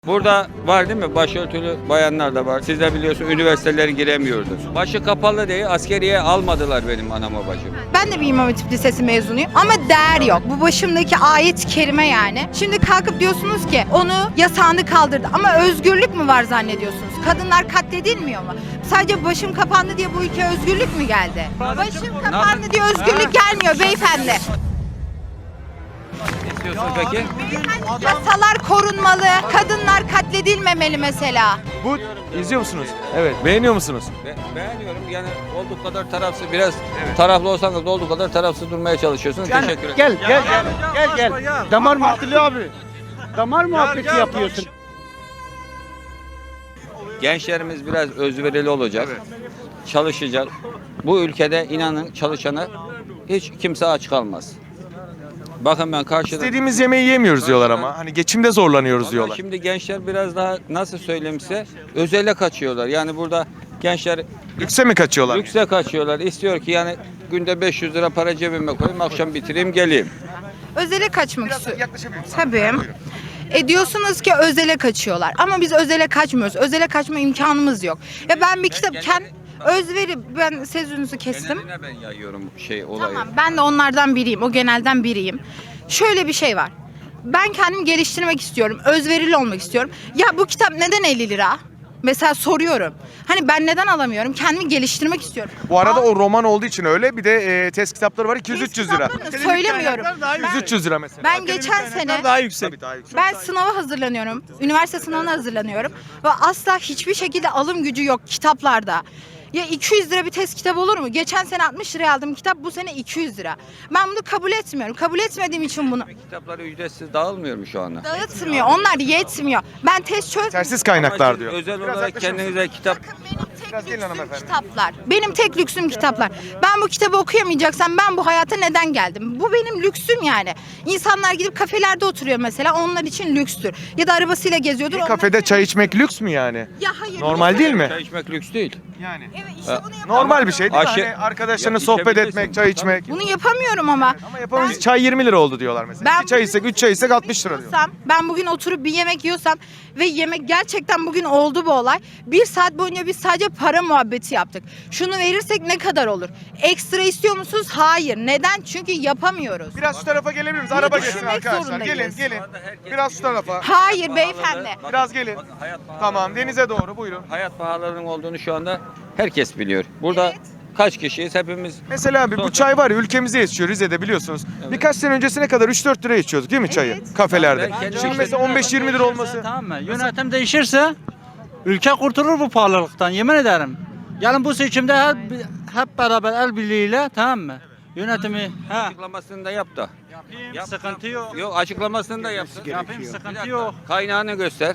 Burada var değil mi? Başörtülü bayanlar da var. Siz de biliyorsunuz üniversitelere giremiyordu. Başı kapalı diye askeriye almadılar benim anama bacım. Ben de bir İmam Hatip Lisesi mezunuyum ama değer yok. Bu başımdaki ayet-i kerime yani. Şimdi kalkıp diyorsunuz ki onu yasağını kaldırdı ama özgürlük mü var zannediyorsunuz? Kadınlar katledilmiyor mu? Sadece başım kapandı diye bu ülkeye özgürlük mü geldi? Başım kapandı diye özgürlük gelmiyor beyefendi. İstiyorsunuz peki? Beyefendi, yasalar korunmalı, kadınlar katledilmemeli mesela. Bu izliyor musunuz? Evet. Beğeniyor musunuz? Beğeniyorum yani olduğu kadar tarafsız biraz taraflı olsanız da olduğu kadar tarafsız durmaya çalışıyorsunuz. Teşekkür ederim. Gel. Damar muhabbeti abi. Damar muhabbeti yapıyorsun. Gençlerimiz biraz özverili olacak. Çalışacak. Bu ülkede inanın çalışana hiç kimse aç kalmaz. Bakın ben karşıda... İstediğimiz yemeği yemiyoruz diyorlar ama. Hani geçimde zorlanıyoruz Ama diyorlar. şimdi gençler biraz daha nasıl söyleyeyim size özele kaçıyorlar. Yani burada gençler Lükse mi kaçıyorlar? lükse kaçıyorlar. İstiyor ki yani günde 500 lira para cebime koyayım akşam bitireyim geleyim. Özele kaçmak istiyor. Tabii. Diyorsunuz ki özele kaçıyorlar ama biz özele kaçmıyoruz. Özele kaçma imkanımız yok. Ya ben bir kitap özveri ben sözünüzü kestim. Geneline ben yayıyorum olayı. Tamam ben de onlardan biriyim. O genelden biriyim. Şöyle bir şey var. Ben kendimi geliştirmek istiyorum. Özverili olmak istiyorum. Ya bu kitap neden 50 lira? Mesela soruyorum. Hani ben neden alamıyorum? Kendimi geliştirmek istiyorum. Bu arada o roman olduğu için öyle. Bir de test kitapları var 200-300 lira. Kitaplarını söylemiyorum. 200-300 lira mesela. Ben geçen sene Daha yüksek. Daha yüksek. ben sınava hazırlanıyorum. Üniversite sınavına hazırlanıyorum. Ve asla hiçbir şekilde alım gücü yok kitaplarda. Ya 200 lira bir test kitabı olur mu? Geçen sene 60 liraya aldığım kitap bu sene 200 lira. Ben bunu kabul etmiyorum. Kabul etmediğim için bunu Kitapları ücretsiz dağılmıyor mu şu anda? dağıtmıyor. Onlar yetmiyor. Ben test çöz... Yetersiz kaynaklar Ama siz diyor. özel olarak kendinize kitap... Benim tek gelin lüksüm hanımefendi. kitaplar. Benim tek lüksüm kitaplar. Ben bu kitabı okuyamayacaksam ben bu hayata neden geldim? Bu benim lüksüm yani. İnsanlar gidip kafelerde oturuyor mesela. Onlar için lükstür. Ya da arabasıyla geziyordur. Bir onlar kafede için- çay içmek lüks mü yani? Ya hayır. Normal değil mi? Çay içmek lüks değil. Yani. Evet işte bunu yapamıyorum. Normal bir şey değil mi? Aşı- Hani arkadaşlarına Ya sohbet içebilirsin. etmek, çay içmek. Bunu yapamıyorum ama. Ama yapamayız. Çay 20 lira oldu diyorlar mesela. Ben 2 çay bugün içsek, 3 çay içsek 60 lira diyor. Ben bugün oturup bir yemek yiyorsam ve yemek gerçekten bugün oldu bu olay. Bir saat boyunca biz sadece para muhabbeti yaptık. Şunu verirsek ne kadar olur? Ekstra istiyor musunuz? Hayır. Neden? Çünkü yapamıyoruz. Biraz şu tarafa gelebilir miyiz? Bunu Araba geçsin düşünmek arkadaşlar. zorundayız. Gelin. Biraz şu tarafa. Hayır beyefendi. Biraz gelin. Tamam, denize doğru buyurun. Hayat pahalılığının olduğunu şu anda herkes biliyor. Burada kaç kişiyiz hepimiz? Mesela abi bu çay var ya ülkemizde yetişiyor Rize'de biliyorsunuz. Birkaç sene öncesine kadar 3-4 lira içiyorduk değil mi çayı? Kafelerde. Ben kendim Şimdi mesela 15-20 lira olması. Tamam mı? Yönetim değişirse ülke kurtulur bu pahalılıktan yemin ederim. Yani bu seçimde hep beraber el birliğiyle tamam mı? Yönetimi Açıklamasını da yap da. yapayım sıkıntı yok. Yok açıklamasını da yapsın. Yapayım sıkıntı yok. Kaynağını göster.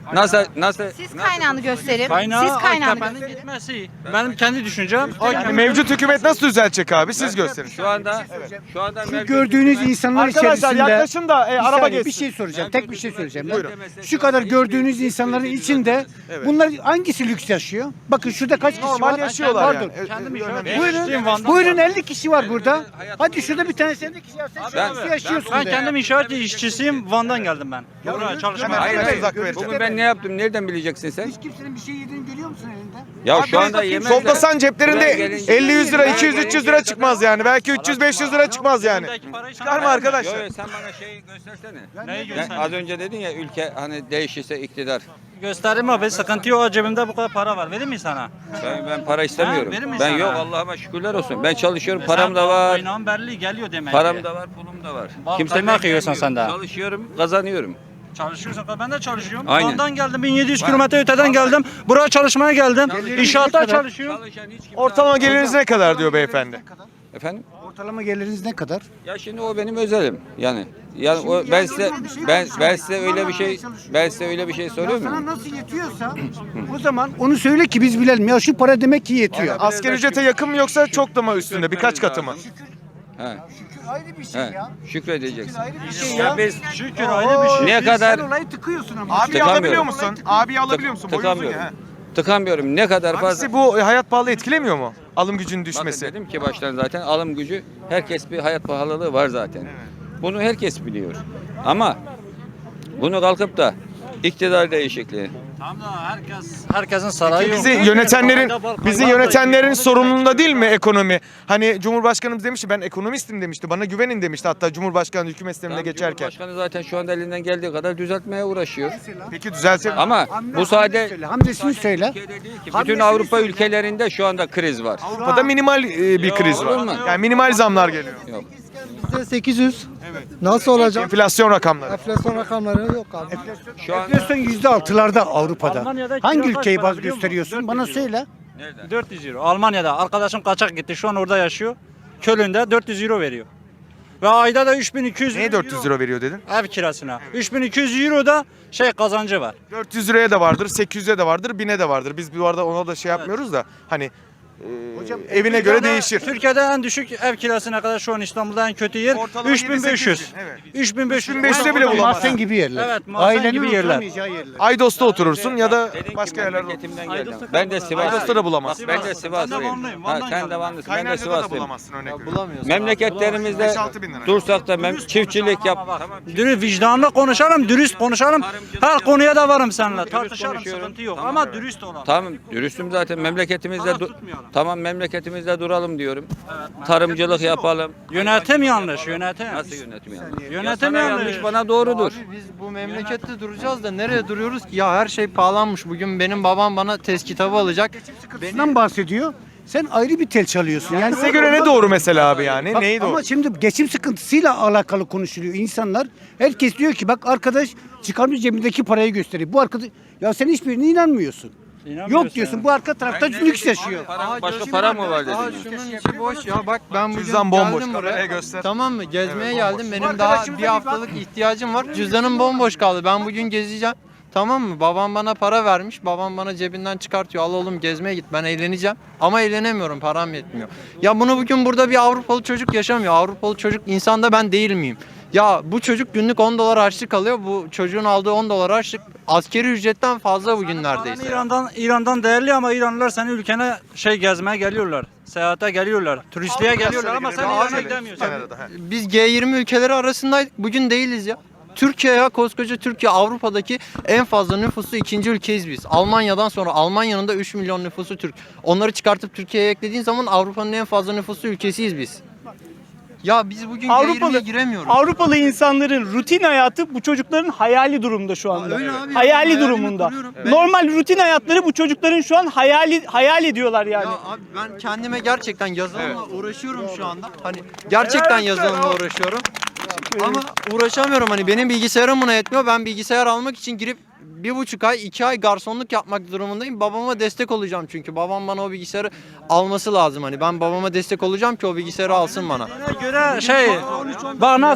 Nasıl? Siz kaynağını gösterin. Kaynağı Siz kaynağını AKP'nin gösterin. gitmesi. Benim kendi düşüncem. Yani mevcut hükümet nasıl düzelecek abi siz gösterin. Şu anda mevcut Gördüğünüz hükümet- insanlar Arkadaşlar içerisinde yaklaşın da bir araba saniye, geçsin. bir şey soracağım. Tek bir şey söyleyeceğim. Buyurun. Şu kadar gördüğünüz insanların içinde bunlar hangisi lüks yaşıyor? Bakın şurada kaç kişi Normal var? yaşıyorlar Pardon. yani. Kendim Buyurun. yaşıyorum Van'da. Buyurun 50 kişi var burada. Hadi şurada bir tanesi 50 kişi var. Sen Ben- nasıl yaşıyorsun Ben be? kendim inşaat işçisiyim. Van'dan geldim ben. Buraya çalışmaya. Hemen Hayır, uzak vereceğim. bugün ben ne yaptım? Nereden bileceksin sen? Hiç kimsenin bir şey yediğini görüyor musun elinde? Ya şu anda yemek Toplasan ceplerinde Buraya gelince- 50-100 lira, 200-300 lira çıkmaz yani. Belki 300-500 lira çıkmaz yani. Çıkar mı arkadaşlar? Yo, sen bana şeyi göstersene. Neyi Ben göstereyim? az önce dedin ya ülke hani değişirse iktidar. Göstereyim abi sıkıntı yok. Cebimde bu kadar para var. Vereyim mi sana? Ben para istemiyorum. verir misin Ben sana? yok Allah'ıma şükürler olsun. Ben çalışıyorum, param da var. Kaynağın belli geliyor demek Param ki. da var, pulum da var. Bal Kimse kaymak beklemiyor. yiyorsun sen de. Çalışıyorum, kazanıyorum. Çalışıyorsun. Ben de çalışıyorum. Aynen. Van'dan geldim. 1700 kilometre öteden geldim. Buraya çalışmaya geldim. İnşaatta çalışıyorum. Çalışan hiç kimse... Ortalama geliriniz ne kadar diyor beyefendi? Efendim? Ortalama geliriniz ne kadar? Ya şimdi o benim özelim. Yani o, ben size ben size öyle bir şey söylüyor Sana muyum? nasıl yetiyorsa o zaman onu söyle ki biz bilelim. Ya şu para demek ki yetiyor. Asgari ücrete yakın mı yoksa çok da mı üstünde? Birkaç katı mı? He. Ayrı bir şey He. ya. Şükredeceksin. Ayrı bir şey Ya ya. biz Şükür ayrı bir şey. ne kadar Sen olayı tıkıyorsun ama. Abi Tıkamıyorum. alabiliyor musun? Abi alabiliyor musun? Boyu uzun tıkamıyorum. ya. Tıkamıyorum. Ne kadar Abi fazla. sizi bu hayat pahalı etkilemiyor mu? Alım gücünün Bakın düşmesi. dedim ki baştan zaten alım gücü herkes bir hayat pahalılığı var zaten. Bunu herkes biliyor. Ama bunu kalkıp da İktidar değişikliği. Tamam da herkesin sarayı yok. Bizi yönetenlerin sorumluluğunda değil mi ekonomi? Hani Cumhurbaşkanımız demişti, ben ekonomistim demişti. Bana güvenin demişti hatta Cumhurbaşkanı hükümet sistemine geçerken. Cumhurbaşkanı zaten şu anda elinden geldiği kadar düzeltmeye uğraşıyor. Peki düzelsin. Ama bu sadece Hamdesini söyle. Türkiye'de değil ki, bütün Avrupa ülkelerinde şu anda kriz var. Avrupa'da minimal bir kriz olur var. mu? Yani minimal zamlar geliyor. Yok. Bizde 800. Nasıl olacak? Enflasyon rakamları. Enflasyon rakamları yok abi. Şu anda Enflasyon %6'larda Avrupa'da. Almanya'da Hangi kira kaç ülkeyi para baz biliyor musun? gösteriyorsun? Bana 400 euro. söyle. 400 euro. Almanya'da arkadaşım kaçak gitti. Şu an orada yaşıyor. Köln'de 400 euro veriyor. Ve ayda da 3200 Neye 400 euro veriyor dedin? ev kirasına. 3200 euro da kazancı var. 400 liraya da vardır, 800'e de vardır, 1000'e de vardır. Biz bu arada ona da şey yapmıyoruz da hani evine göre değişir. Türkiye'de en düşük ev kirası ne kadar şu an İstanbul'da en kötü yer Ortalama 3500. 7-8 bin, evet. 3500. 3500'e bile bulamaz. Mahzen gibi yerler. Evet, mahzen Ailenin gibi yerler. oturamayacağı yerler. Aydos'ta oturursun ya da Dediğim başka gibi yerlerde. memleketimden geldim. Ben de Sivas'tayım. Aydos'ta da bulamazsın. Bak, ben de Sivaslıyım. Vanlıyım, Ha, Van'dan sen de geldim. Vanlısın. Ben de Kaynarca'da da Sivaslıyım. bulamazsın örnek veriyorum. Bulamıyorsun. Memleketlerimizde 5-6 bin lira. dursak da çiftçilik yap. Dürüst vicdanlı konuşalım, dürüst konuşalım. Her konuya da varım seninle. Dürüst Tartışalım, konuşuyorum. sıkıntı yok. Tamam, Ama evet. dürüst olalım. Tamam, dürüstüm zaten memleketimizde. Taraf tutmayalım. Tamam, memleketimizde duralım diyorum. Tarımcılık yapalım. Yönetim yanlış, yönetim. Nasıl yönetim yanlış? Yönetim Sana yanlış. yanlış, bana doğrudur. Abi biz bu memlekette duracağız da nereye duruyoruz ki? Ya her şey pahalanmış. Bugün benim babam bana test kitabı alacak. Sıkıntısından bahsediyor. Sen ayrı bir tel çalıyorsun. Yani Size göre ne doğru mesela abi yani? Bak, Neyi doğru? ama şimdi geçim sıkıntısıyla alakalı konuşuluyor insanlar. Herkes diyor ki bak arkadaş çıkarmış cebindeki parayı gösteriyor. Bu arkadaş ya sen hiçbirine inanmıyorsun. İnanmıyorsun Yok diyorsun yani. bu arka tarafta lüks yaşıyor. Başka para mı var Aa, dedin? şunun içi boş ya. Bak ben bugün Cüzdan bomboş, geldim kameraya buraya. göster. Tamam mı? Gezmeye Evet, geldim. Benim daha bir haftalık ihtiyacım var. Cüzdanım bomboş kaldı. Ben bugün gezeceğim. Tamam mı? Babam bana para vermiş. Babam bana cebinden çıkartıyor. Al oğlum gezmeye git. Ben eğleneceğim. Ama eğlenemiyorum. Param yetmiyor. Ya bunu bugün burada bir Avrupalı çocuk yaşamıyor. Avrupalı çocuk insanda ben değil miyim? Ya bu çocuk günlük 10 dolar harçlık alıyor. Bu çocuğun aldığı 10 dolar harçlık askeri ücretten fazla bugün neredeyse. İran'dan değerli ama İranlılar senin ülkene gezmeye geliyorlar. Seyahate geliyorlar. Turistliğe geliyorlar ama sen İran'a gidemiyorsun. Biz G20 ülkeleri arasındaydık. Bugün değiliz ya. Türkiye ya koskoca Türkiye Avrupa'daki en fazla nüfuslu ikinci ülkeyiz biz. Almanya'dan sonra Almanya'nın da 3 milyon nüfusu Türk. Onları çıkartıp Türkiye'ye eklediğin zaman Avrupa'nın en fazla nüfuslu ülkesiyiz biz. Ya biz bugün G20'ye giremiyoruz. Avrupalı insanların rutin hayatı bu çocukların hayali durumda şu anda. öyle abi, hayali hayalimi durumunda. kuruyorum. Ben- Normal rutin hayatları bu çocukların şu an hayal ediyorlar yani. Ya abi ben kendime gerçekten yazılımla uğraşıyorum şu anda. Hani gerçekten yazılımla uğraşıyorum. Ama uğraşamıyorum hani benim bilgisayarım buna yetmiyor. Ben bilgisayar almak için girip 1,5 ay 2 ay garsonluk yapmak durumundayım. Babama destek olacağım çünkü babam bana o bilgisayarı alması lazım hani. Ben babama destek olacağım ki o bilgisayarı alsın bana. Göre bana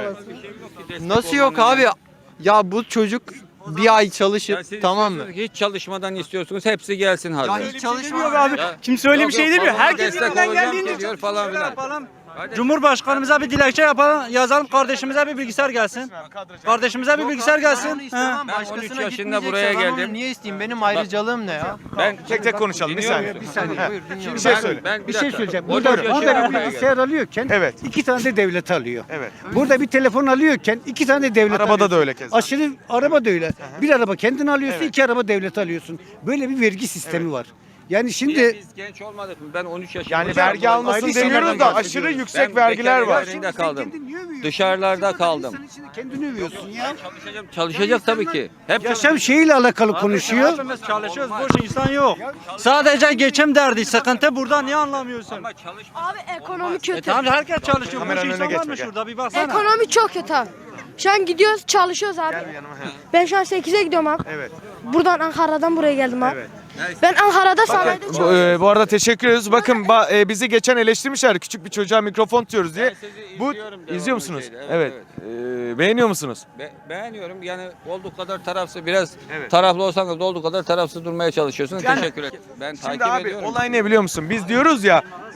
Nasıl yok abi? Ya bu çocuk bir ay çalışıp Ya siz tamam mı? istiyorsunuz ki hiç çalışmadan istiyorsunuz. Hepsi gelsin hazır. Ya hiç Yok çalışmıyor abi. Kimse öyle bir şey demiyor. babama Herkes destek elinden olacağım geldiğince diyor falan filan. yapalım. Cumhurbaşkanımıza bir dilekçe yapalım, yazalım kardeşimize bir bilgisayar gelsin. Kardeşimize bir bilgisayar gelsin. He. İstemem, Ben 13 başkasına yaşında gitmeyecekse buraya ben onu geldim. niye isteyeyim? Benim ayrıcalığım ne ya? Ben Tek tek konuşalım bir Dinliyor saniye. musun? Bir saniye. Buyur, dinliyorum. Bir şey söyle. Bir şey söyleyeceğim. 13 Burada yaşında bir buraya bilgisayar alıyorken Evet. 2 tane de devlet alıyor. Evet. Burada bir telefon alıyorken 2 tane de devlet Arabada alıyorsun. da öyle keza. Aşırı araba da öyle. Bir araba kendin alıyorsun, 2 araba devlet alıyorsun. Böyle bir vergi sistemi var. Yani şimdi Biz genç olmadık mı? Ben 13 yaşındayım. Yani vergi almasın ayrı demiyoruz şeylerden da bahsediyoruz. aşırı yüksek Ben vergiler bekar var. evlerinde kaldım. kendin niye övüyorsun? Dışarılarda İnsan kaldım. insanın içinde kendini övüyorsun ya. Çalışacak tabii ki. Hep Yaşam şeyiyle alakalı konuşuyor. Hepimiz çalışıyoruz, boş insan yok. Sadece geçim derdi, sıkıntı burada niye anlamıyorsun? Abi ekonomi kötü. Tamam herkes çalışıyor, boş Kameranın önüne insan var geçme, mı gel. şurada bir baksana. Ekonomi çok kötü abi. Şu an gidiyoruz, çalışıyoruz abi. Ben şu an 8'e gidiyorum abi. Evet. Buradan Ankara'dan buraya geldim abi. Evet. Ben Ankara'da sanayide çalışıyorum. Bu arada teşekkür ediyoruz. Bakın bizi geçen eleştirmişler küçük bir çocuğa mikrofon tutuyoruz diye. Bu izliyor musunuz? Evet. Beğeniyor musunuz? Beğeniyorum. Yani olduğu kadar tarafsız, biraz Evet. taraflı olsanız da olduğu kadar tarafsız durmaya çalışıyorsunuz. Yani- Teşekkür ederim. Ben Şimdi takip abi ediyorum. olay ne biliyor musun? Biz diyoruz ya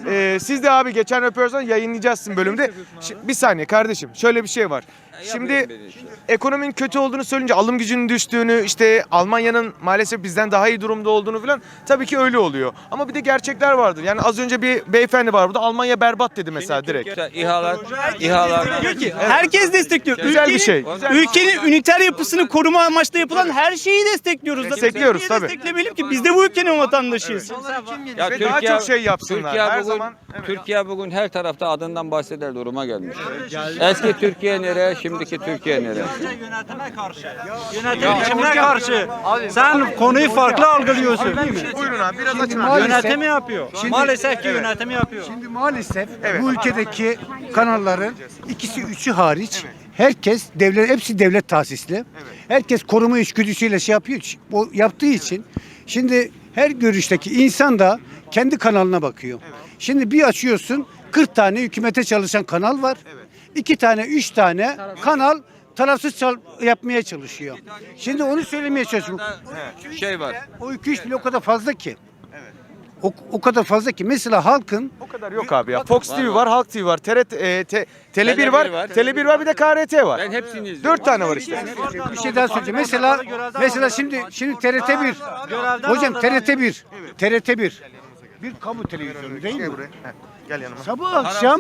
Siz de abi geçen röportajdan yayınlayacağız sizin bölümde. Bir saniye kardeşim, şöyle bir şey var. Şimdi ekonominin kötü olduğunu söyleyince alım gücünün düştüğünü, işte Almanya'nın maalesef bizden daha iyi durumda olduğunu falan, tabii ki öyle oluyor. Ama bir de gerçekler vardır. Yani az önce bir beyefendi var burada, Almanya berbat dedi mesela direkt. İHA'lar Diyor ki herkes destekliyor. Güzel bir şey. Ülkenin üniter yapısını koruma amaçlı yapılan her şeyi destekliyoruz. Zaten. Destekliyoruz, Niye tabii. desteklemeyelim ki? Biz de bu ülkenin vatandaşıyız. Ya Ve daha çok şey yapsınlar. Türkiye Her bugün, zaman evet. Türkiye bugün her tarafta adından bahseder duruma gelmiş. Eski Türkiye nereye, şimdiki Türkiye nereye? Yönetime karşı. Yönetimine karşı. Sen konuyu farklı algılıyorsun. Buyurun abi, biraz açın abi. Maalesef- Yönetimi yapıyor. Maalesef ki yönetimi yapıyor. Şimdi maalesef bu ülkedeki kanalların ikisi üçü hariç herkes hepsi devlet tahsisli. Herkes koruma içgüdüsüyle şey yapıyor. O yaptığı için şimdi her görüşteki insan da kendi kanalına bakıyor. Şimdi bir açıyorsun 40 tane hükümete çalışan kanal var. 2 tane 3 tane kanal tarafsız yapmaya çalışıyor. Şimdi onu söylemeye çalışıyorum. Şey var. O 2-3 bile o kadar fazla ki. O kadar fazla ki. Mesela halkın O kadar yok abi ya. Fox TV var, Halk TV var, TRT, Tele1 var, var. Tele1 var, bir de KRT var. Ben hepsini izliyorum. 4 tane var işte. bir şey daha söyleyeceğim. Mesela şimdi TRT1. Hocam TRT1 bir kamu televizyonu değil mi? Gel yanıma. Sabah akşam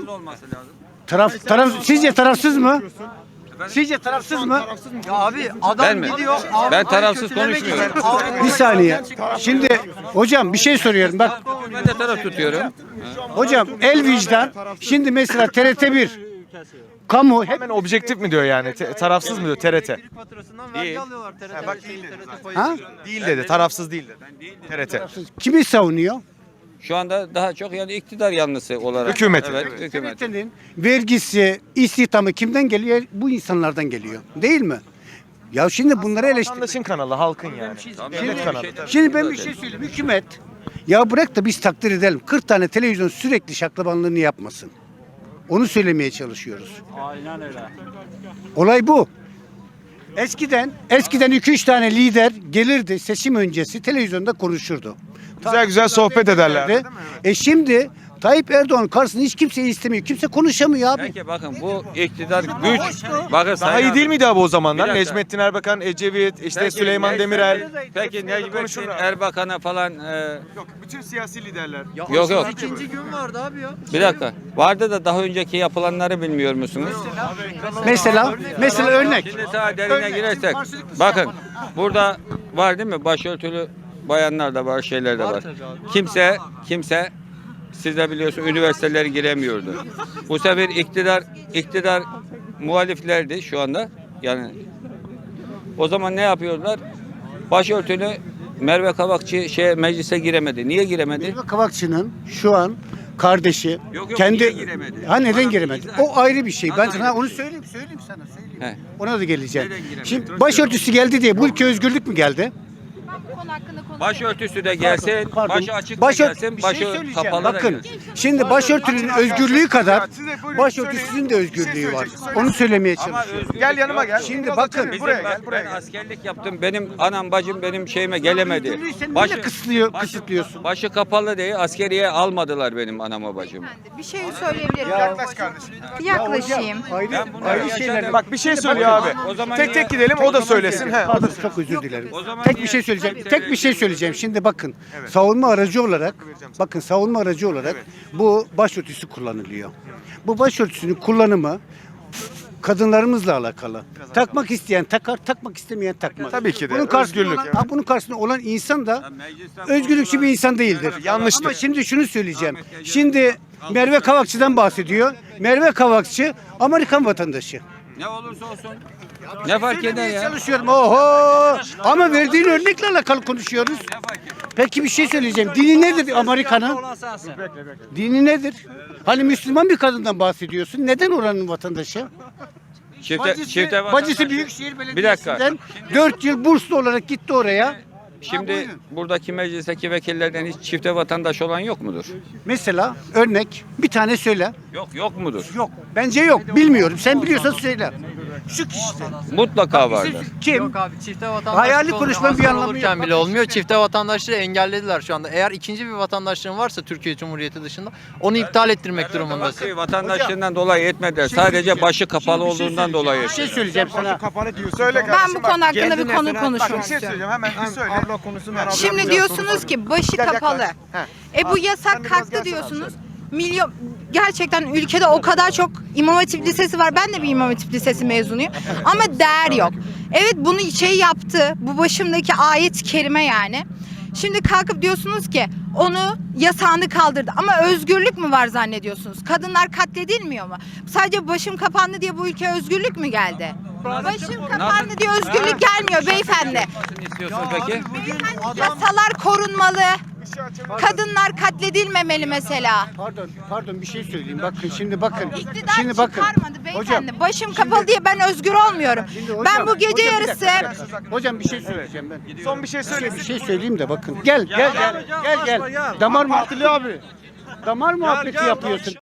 sizce tarafsız mı? Sizce tarafsız mı? Ben mi? Ben tarafsız konuşmuyorum. Bir saniye. Şimdi hocam bir şey soruyorum. Bak Ben de taraf tutuyorum. hocam el vicdan. Şimdi mesela TRT1 kamu hep Hemen objektif mi diyor yani? Tarafsız mı diyor TRT? Faturasından vergi alıyorlar. TRT bak şeyi, değil dedi. TRT payı. ha? Değil dedi, tarafsız değil dedi. TRT. Kimi savunuyor? Şu anda daha çok yani iktidar yanlısı olarak. Hükümeti. Evet, hükümet. TRT'nin vergisi, istihdamı kimden geliyor? Bu insanlardan geliyor. Değil mi? Ya şimdi bunları eleştir. Vatandaşın kanalı, halkın yani. Devlet kanalı. Şimdi ben bir şey söyleyeyim. Hükümet ya bırak da biz takdir edelim. 40 tane televizyon sürekli şaklabanlığını yapmasın. Onu söylemeye çalışıyoruz. Aynen öyle. Olay bu. Eskiden 2-3 tane lider gelirdi seçim öncesi televizyonda konuşurdu. Güzel sohbet ederlerdi. Şimdi Tayyip Erdoğan karşısında hiç kimseyi istemiyor. Kimse konuşamıyor abi. Peki bakın bu iktidar güç. Bakın Daha Sayın iyi değil abi. miydi abi o zamanlar? Bir dakika. Necmettin Erbakan, Ecevit, işte Peki, Süleyman Demirel. Peki Necmettin Erbakan'a falan Yok, bütün siyasi liderler. yok. İkinci gün vardı abi ya. Bir dakika. Vardı da daha önceki yapılanları bilmiyor musunuz? Mesela örnek. Şimdi daha derine girersek. Bakın burada var değil mi? Başörtülü bayanlar da var, şeyler de var. Kimse siz de biliyorsunuz üniversitelere giremiyordu. Bu sefer iktidar muhaliflerdi şu anda. Yani o zaman ne yapıyorlar? Başörtülü Merve Kavakçı meclise giremedi. Niye giremedi? Merve Kavakçı'nın şu an kardeşi Yok, kendi niye giremedi? ha neden Bana giremedi? izah- O ayrı bir şey. Ben Anladım. sana onu söyleyeyim sana. He. Ona da geleceğim. Neden giremedi? Şimdi başörtüsü geldi diye bu ülke özgürlük mü geldi? Konu hakkında konuşuyoruz. Başörtüsü de gelsin, Pardon. başı açık da gelsin, Bir başı şey söyleyeceğim. kapalı da Bakın gelsin. şimdi başörtünün özgürlüğü kadar başörtüsünün de özgürlüğü var. Onu söylemeye Ama çalışıyorum. özgürlük Gel yanıma yok. gel. Şimdi bakın, Bizim buraya bak, gel, buraya ben gel. askerlik yaptım. Benim anam bacım benim şeyime gelemedi. Özgürlüğü sen neyle kısıtlıyorsun? Başı kapalı diye askeriye almadılar benim anama bacımı. Bir şey söyleyebilirim. Yaklaş kardeşim. Yaklaşayım. Ben bunları Ayrı yaşadım. şeyler. Bak bir şey söylüyor abi. O zaman Tek niye- tek gidelim, o da söylesin. He. Pardon çok özür dilerim. O zaman Tek niye- bir şey söyleyeceğim. Tek bir şey söyleyeceğim. Şimdi bakın. Savunma aracı olarak bu başörtüsü kullanılıyor. Bu başörtüsünün kullanımı kadınlarımızla alakalı. Takmak isteyen takar, takmak istemeyen takmaz. Tabii ki de, Bunun karşısında özgürlük, olan, evet. bunun karşısında olan insan da Meclisten özgürlükçü bir insan değildir. Yanlıştır. Ama şimdi şunu söyleyeceğim. Şimdi Merve Kavakçı'dan bahsediyor. Merve Kavakçı Amerikan vatandaşı. ne olursa olsun. Ne fark eder ya? Çalışıyorum. Oho! Ama verdiğin örnekle alakalı konuşuyoruz. Peki bir şey söyleyeceğim. Dini nedir Amerika'nın? Dini nedir? Hani Müslüman bir kadından bahsediyorsun. Neden oranın vatandaşı? Çifte Bacısı Büyükşehir Bir dakika. Belediyesi'nden 4 yıl burslu olarak gitti oraya. Şimdi buradaki meclisteki vekillerden hiç çifte vatandaş olan yok mudur? Mesela örnek bir tane söyle. Yok mudur? Yok. Bence yok. Bilmiyorum. Sen biliyorsan söyle. Şu kişi. Mutlaka vardır. Kim? Yok abi çifte vatandaşlık Hayali olmuyor. konuşmanın bir Asker anlamı olurken yok. bile olmuyor. Çifte vatandaşlığı engellediler şu anda. Eğer ikinci bir vatandaşlığın varsa Türkiye Cumhuriyeti dışında onu iptal ettirmek durumundasın. Vatandaşlığından dolayı etmediler. Sadece başı kapalı olduğundan dolayı. Bir şey söyleyeceğim sana. Söyle Ben kardeşim, bu bak. konu hakkında bir konu Bak, konuşmak bir şey istiyorum. söyleyeceğim hemen bir söyle. Abla konusunu Şimdi diyorsunuz ki başı kapalı. Bu Sen yasak biraz kalktı gelsene diyorsunuz. Milyon gerçekten ülkede o kadar çok İmam Hatip Lisesi var. Ben de bir İmam Hatip Lisesi mezunuyum. Ama değer yok. Evet bunu yaptı. Bu başımdaki ayet-i kerime yani. Şimdi kalkıp diyorsunuz ki onu yasağını kaldırdı. Ama özgürlük mü var zannediyorsunuz? Kadınlar katledilmiyor mu? Sadece başım kapandı diye bu ülkeye özgürlük mü geldi? Başım kapandı diye özgürlük gelmiyor beyefendi. İstiyorsun peki? Beyefendi yasalar korunmalı. Kadınlar katledilmemeli mesela. Pardon bir şey söyleyeyim. Bakın şimdi bakın. İktidar Şimdi bakın. çıkarmadı beyefendi. Hocam, Başım kapalı diye ben özgür olmuyorum. hocam, Ben bu gece hocam, bir yarısı dakika. Hocam bir şey söyleyeceğim ben. Son bir şey söyle. Bir şey söyleyeyim de bakın. Gel. Damar muhabbeti abi. Damar muhabbeti yapıyorsun.